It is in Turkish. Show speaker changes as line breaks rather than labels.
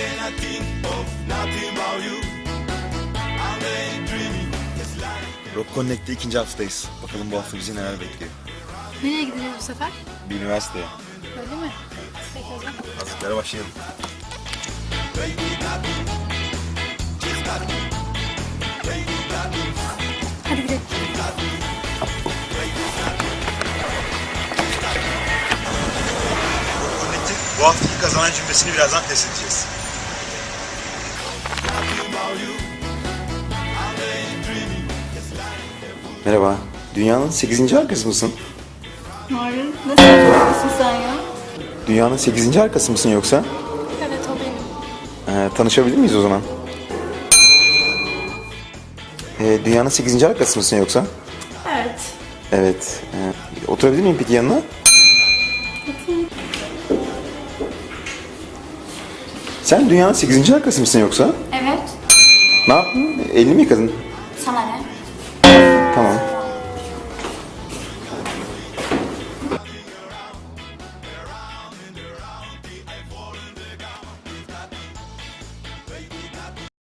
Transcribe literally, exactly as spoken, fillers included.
Rock Connect'te ikinci haftayız. Bakalım bu hafta bizi neler bekliyor.
Nereye gideceğiz bu sefer?
Bir üniversiteye.
Öyle mi? Peki o zaman.
Hazırlıklara başlayalım.
Hadi gidelim.
Connect'in bu haftaki kazanan cümlesini birazdan test edeceğiz. Merhaba. Dünyanın sekizinci arkası mısın?
Hayır. Ne saçmalıyorsun sen ya?
Dünyanın sekizinci arkası mısın yoksa?
Evet o benim.
Ee, tanışabilir miyiz o zaman? Ee, dünyanın sekizinci arkası mısın yoksa?
Evet.
Evet. Ee, oturabilir miyim peki yanına? Sen dünyanın sekizinci arkası mısın yoksa?
Evet.
Ne yaptın? Elini mi yıkadın?
Sana ne?